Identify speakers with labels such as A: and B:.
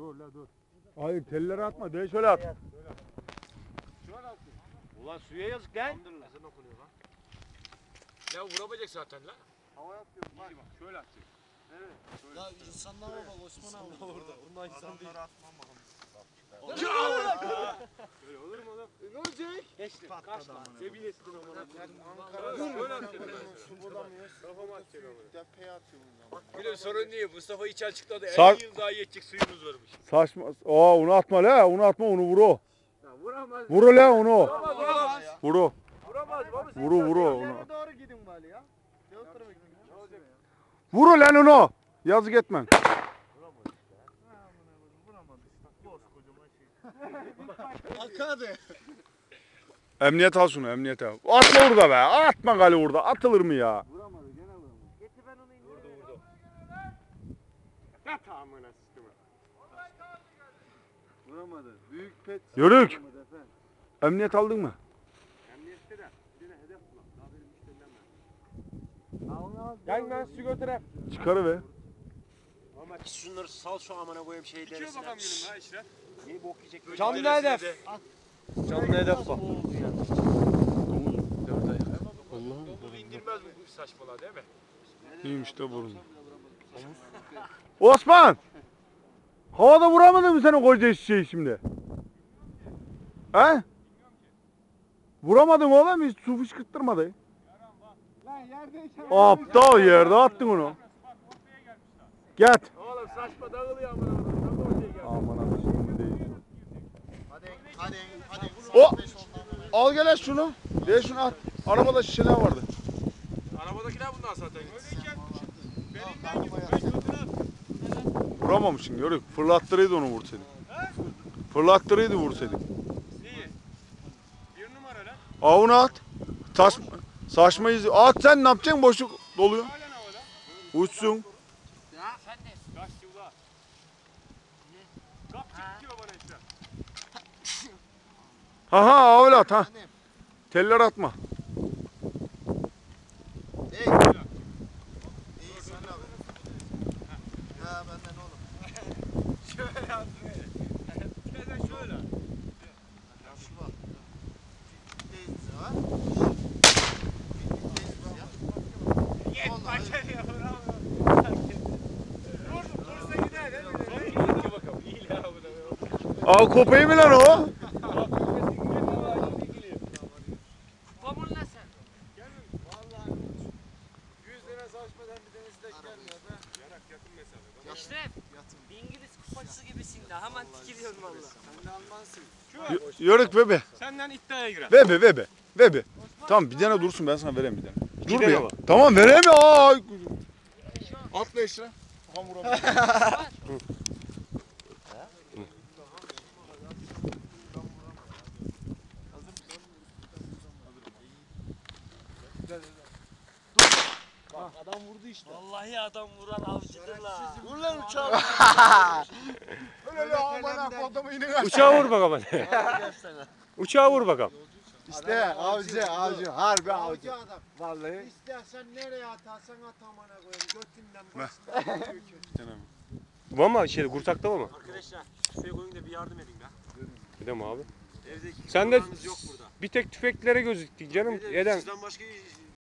A: Dur la dur.
B: Hayır telleri atma. De şöyle at.
A: Şöyle at.
C: Ulan suya yazık lan.
A: Ezan okunuyor lan. Ya vuramayacak zaten lan.
C: Havaya atıyorum bak.
A: Bak şöyle atacak.
C: Evet.
D: Ya insanlara bak Osman abi orada. Onlar insan değil.
C: Atmam bakalım.
A: Öyle olur mu oğlum?
C: Ne olacak?
A: Geçti. Kaç lan? Sebilesini amına.
C: Ankara.
A: Şöyle atacak.
C: Su bulamıyoruz.
A: Kafama atacak amına.
C: Tepeye atıyorum. Bak
A: Gülüm sorun değil. Mustafa hiç açıkladı.
B: Sar-
A: 50 yıl daha yetecek suyumuz varmış.
B: Saçma. Aa onu atma la. Onu atma onu vur o.
A: Ya vuramaz.
B: Vur la onu.
A: Vuramaz. Vuramaz.
B: Vur o.
A: Vuramaz. Babası.
B: Vur o onu.
C: nereye doğru gidin bari ya? Ne o tarafa gidin? Ne olacak?
B: Vur lan onu. Yazık etmen.
C: Vuramadı işte. Koskocaman şey. Akadı.
B: Emniyet al şunu emniyete. Atma orada be. Atma gali orada. Atılır mı ya?
C: Vuramadı gene vuramadı. Getir ben onu indireyim.
A: Vurdu. Yat amına sıkımı.
C: Vuramadı. Büyük pet.
B: Yörük.
C: Vuramadı efendim.
B: Emniyet aldın mı?
A: Emniyette de. Bir de hedef bulak. Daha benim müşterilerim var.
C: Gel ben su götüreyim.
B: Çıkarıver.
E: Ama şunları sal şu amına koyayım şey
A: İçiyor
E: derisine.
A: bakalım gülüm ha işte.
E: İyi bok yiyecek.
C: Canlı hedef. Canlı hedef bak.
A: Domuzu indirmez bu saçmalığa değil mi?
B: İyiymiş de burun. Osman! Havada vuramadın mı sen o koca şişeyi şimdi? He? Vuramadın oğlum hiç su fışkırttırmadı.
C: Lan yerdeyken.
B: Aptal yerde attın onu. Get.
A: Oğlum saçma dağılıyor amına. Tam ortaya geldi.
B: Aman abi şimdi değil.
C: Hadi.
B: O! Al gel şunu. De şunu at. Arabada şişeler vardı.
A: Arabadakiler bunlar zaten. Öyleyken belinden gibi. Ben götüne at.
B: Vuramamışsın yörük. Fırlattırıydı onu vursaydın. Fırlattırıydı vursaydın.
A: İyi. Bir numara lan.
B: Avunu at. Saçma izi. At sen ne yapacaksın boşluk doluyor.
A: Halen havada.
B: Uçsun.
A: Kaç yıla. Kap çek diyor bana işte.
B: Ha öyle at ha. Teller atma.
C: İyi sen abi. Ha benden oğlum.
A: Şöyle at. Şöyle şöyle.
C: Yaşı var. Teyze var.
A: Yet başarıya bravo. Dursa gider değil mi? İyi bakalım. İyi la bu da.
B: Aa kopayı mı lan o?
D: Pamulla sen.
C: 100 lira saçmadan bir denizde gelmiyor be.
A: Yarak yakın mesafe.
D: Eşref. Bir İngiliz kupacısı gibisin de hemen tikiliyorsun valla.
C: Sen de Almansın.
B: Yörük bebe.
A: Senden iddiaya girer.
B: Bebe. Tamam bir tane dursun ben sana vereyim bir tane. Dur bir ya. Tamam vereyim ya. Aa.
C: Atla işte. Adam vurdu işte.
D: Vallahi adam vuran avcıdır la.
C: Vur lan uçağı. Öyle amına kodum yine.
E: Uçağa vur bakalım hadi. Uçağa vur bakalım.
C: İşte avcı. Harbi avcı adam. Vallahi. İstersen nereye atarsan at amına koyayım. Götünden başından.
E: Bu ama şey kurtakta mı?
A: Arkadaşlar tüfeği koyun da bir yardım edin be.
E: Bir de mi abi?
A: Evdeki
E: Sen de
A: kulağınız yok burada.
E: bir tek tüfeklere gözüktük canım.
A: Bir de
E: Eden
A: Sizden başka